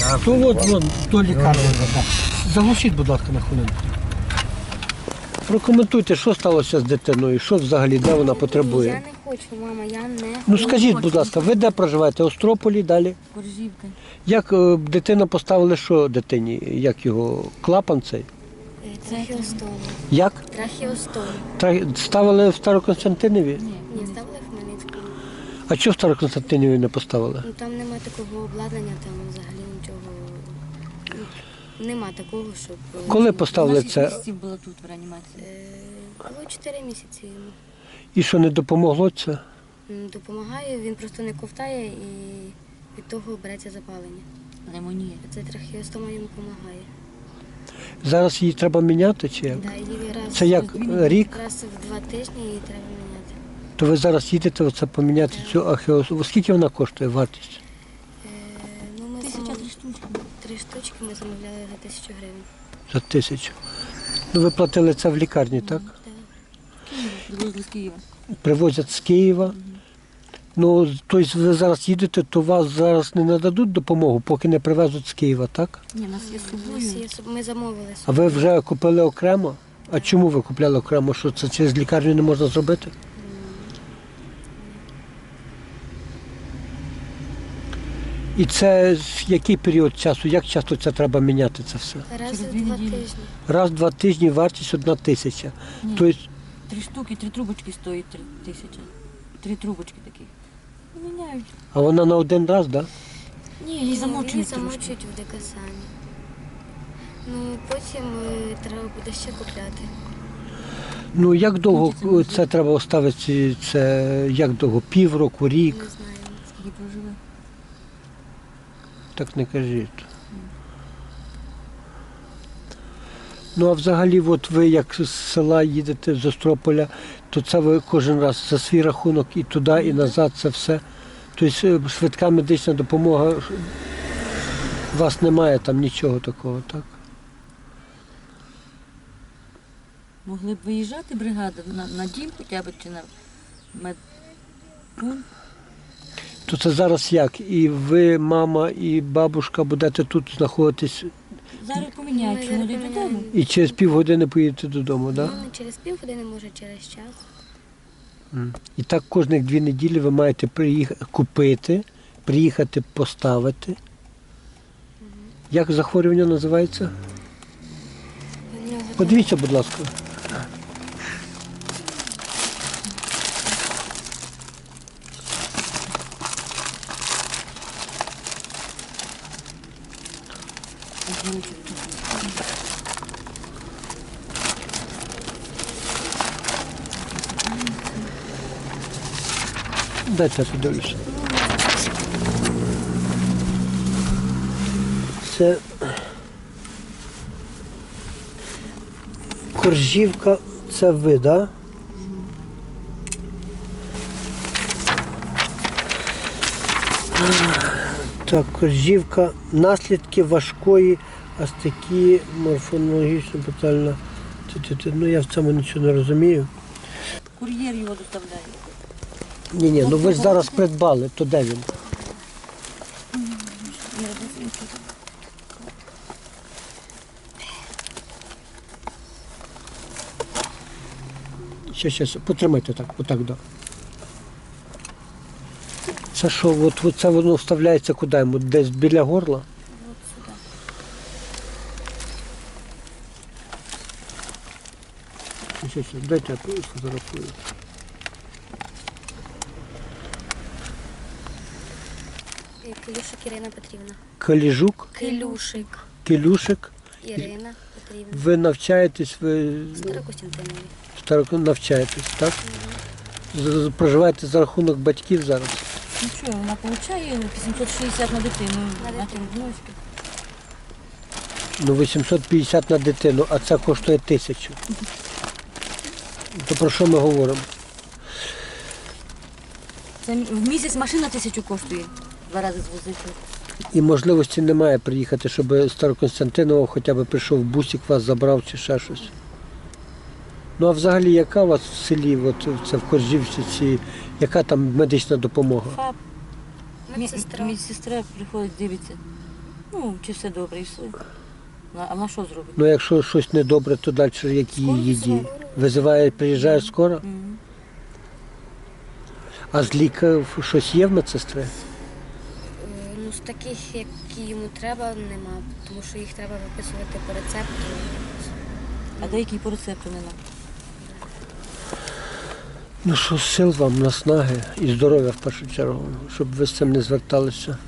То от до лікарні. Заглушіть, будь ласка, на хвилинку. Прокоментуйте, що сталося з дитиною, що взагалі, де вона потребує. Я не хочу, мама, я не хочу. Ну скажіть, будь ласка, ви де проживаєте? Острополі, далі? Коржівка. Як дитина поставили, що дитині? Як його? Клапан цей? Трахеостом. Як? Трахеостом. Ставили в Староконстантинові? Ні, ставили в Хмельницькому. А чого в Староконстантинові не поставили? Ну там нема такого обладнання, там взагалі нічого. Нема такого, щоб. Коли поставили це? Місяців було тут в реанімації. Було 4 місяці йому. І що, не допомогло це? Допомагає, він просто не ковтає і від того береться запалення. Пневмонія. Це трахеостома йому допомагає. Зараз її треба міняти чи як? Да, її раз, Це як, рік? раз в 2 тижні її треба міняти. То ви зараз їдете оце поміняти цю ахеосу. Скільки вона коштує, вартість? Ну, ми 1003 штучки. 3 штучки ми замовляли за 1000 гривень. За 1000. Ну ви платили це в лікарні, так? Привозили з Києва. Привозять з Києва. Ну, тобто ви зараз їдете, то вас зараз не нададуть допомогу, поки не привезуть з Києва, так? Ні, у нас є з собою. Ми замовили. А ви вже купили окремо? А чому ви купляли окремо? Що це через лікарню не можна зробити? І це який період часу? Як часто це треба міняти це все? Раз Через в 2 2 неділі. тижні. Раз в 2 тижні вартість 1000. Ні. Тобто 3 штуки, 3 трубочки стоїть 3000. 3 трубочки такі. Міняють. а вона на один раз, так? Да? Ні, її замочують Її трошки. замочують в декасані. Ну, потім треба буде ще купляти. Ну як довго це треба оставити? Це як довго? Півроку, рік? Не знаю. Скільки проживе. Так не кажіть. Ну а взагалі, от ви як з села їдете з Острополя, то це ви кожен раз за свій рахунок і туди, і назад, це все. Тобто швидка медична допомога, у вас немає там нічого такого, так? Могли б виїжджати бригада на дім хоча б чи на медпункт. То це зараз як? І ви, мама, і бабушка будете тут знаходитись Зараз поміняють, що вони додому. і через півгодини поїдете додому, так? Ну, не через півгодини, може через час. І так кожних 2 неділі ви маєте купити, приїхати поставити. Як захворювання називається? В нього Подивіться, будь ласка. Дайте я подивлюся. Це Коржівка, це ви, так? Так, Коржівка, наслідки важкої астекії, морфонологічно питальна. Ну я в цьому нічого не розумію. Кур'єр його доставляє. Ні, ну ви ж зараз придбали, то де він? Ще, потримайте так, отак, да. Це що, от це воно вставляється куди йому? Десь біля горла? от сюди. Ще, дайте я фотографую. Килюшик Ірина Петрівна. Каліжук, Килюшик Килюшик. Ірина Петрівна. Ви навчаєтесь, ви Старокостянтинові. навчаєтесь, так? Проживаєте за рахунок батьків зараз? Ну що, вона отримує 860 на дитину. На На тим внучки. Ну, 850 на дитину, а це коштує 1000. То про що ми говоримо? Це в місяць машина 1000 коштує. 2 рази звозити. І можливості немає приїхати, щоб Староконстантинова хоча б прийшов бусик, вас забрав чи ще щось. Ну а взагалі яка у вас в селі, от це в Коржівці, яка там медична допомога? ФАП. Медсестра. Медсестра приходить, дивиться. Ну, чи все добре і все. А на що зробити? Ну якщо щось недобре, то далі які Скоро її дії? визивають. Визиває, приїжджає скоро? Мгм. А з лікарів щось є в медсестри? Ну, з таких, які йому треба, нема, тому що їх треба виписувати по рецепту. А деякі по рецепту не надо. Ну що, сил вам, наснаги і здоров'я в першу чергу, щоб ви з цим не зверталися.